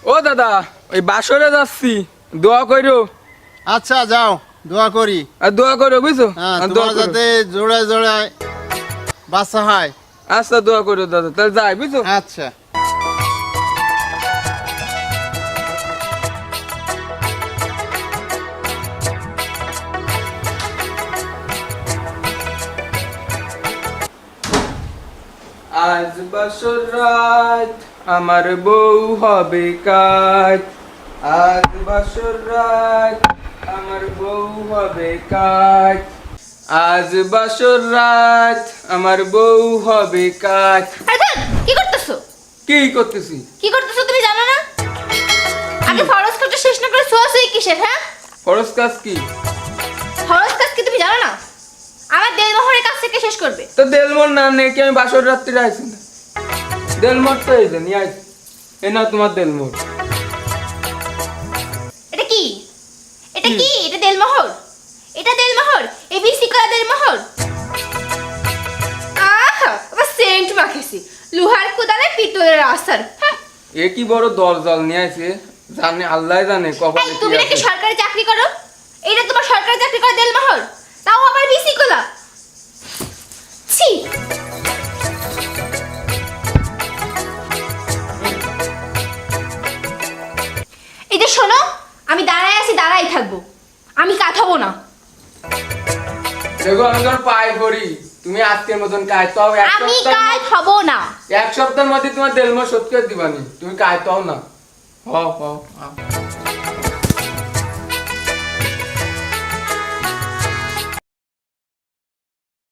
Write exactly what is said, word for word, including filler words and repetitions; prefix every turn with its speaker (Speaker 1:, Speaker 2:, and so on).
Speaker 1: ও দাদা ওই বাসরে যাচ্ছি, দোয়া কইরো।
Speaker 2: আচ্ছা যাও, দোয়া করি।
Speaker 1: আর দোয়া করো বুঝছো?
Speaker 2: হ্যাঁ,
Speaker 1: আর দোয়া
Speaker 2: তোমার
Speaker 1: করো।
Speaker 2: যাতে জোড়ায় জোড়ায় বাচ্চা হয়।
Speaker 1: আচ্ছা দোয়া করো দাদা, তাহলে যাই বুঝছো?
Speaker 2: আচ্ছা।
Speaker 1: আজ বাসর রাত আমার বউ হবে কাজ, আজ বাসর রাত আমার বউ হবে কাজ, আজ বাসর রাত আমার বউ হবে কাজ।
Speaker 3: আরে ধ্যাৎ, কি করতেছো?
Speaker 1: কি করতেছি?
Speaker 3: কি করতেছো তুমি জানো না? আগে ফরজ কাজটা শেষ না করে সোয়াসুই কিসের? হ্যাঁ,
Speaker 1: ফরজ কাজ কি?
Speaker 3: ফরজ কাজ কি তুমি জানো না? আমার দেলমোহরের কাজ থেকে শেষ করবে।
Speaker 1: তো দেলমোর না নেই কি আমি বাসর রাত্রিরে আইছি না? দেলমোর তো এই যে নিয়ে আইছি, এ না তোমার দেলমোর।
Speaker 3: এটা কি? এটা কি? এটা দেলমোহর? এটা দেলমোহর? এবিসি করা দেলমোহর? আহা, আবার সেন্ট মাখেছি। লোহার কোদালে পিতলের আসার। হ্যাঁ।
Speaker 1: এ কি বড় দরজাল নিয়ে আইছে, জানে আল্লাহ জানে কপালে
Speaker 3: এই
Speaker 1: কি
Speaker 3: তুমি নাকি
Speaker 1: আছে।
Speaker 3: সরকারি চাকরি করো? এটা তোমার সরকারি চাকরি করা দেলমোহর? তাও আবার বিসি কোলা? ছি। এই যে শোনো, আমি দাঁড়ায় আছি, দাঁড়াই থাকবো, আমি কাঁথাবো না।
Speaker 1: দেখো আমি তোমার পায়ে পড়ি, তুমি আজকের মতন কাজ তাও এক
Speaker 3: আমি
Speaker 1: সপ্তাহ
Speaker 3: কাজ হব না।
Speaker 1: এক সপ্তাহের মধ্যে তোমার দেলমোর শোধ করে দিবানি, তুমি কাজ তাও না। হ হ হ।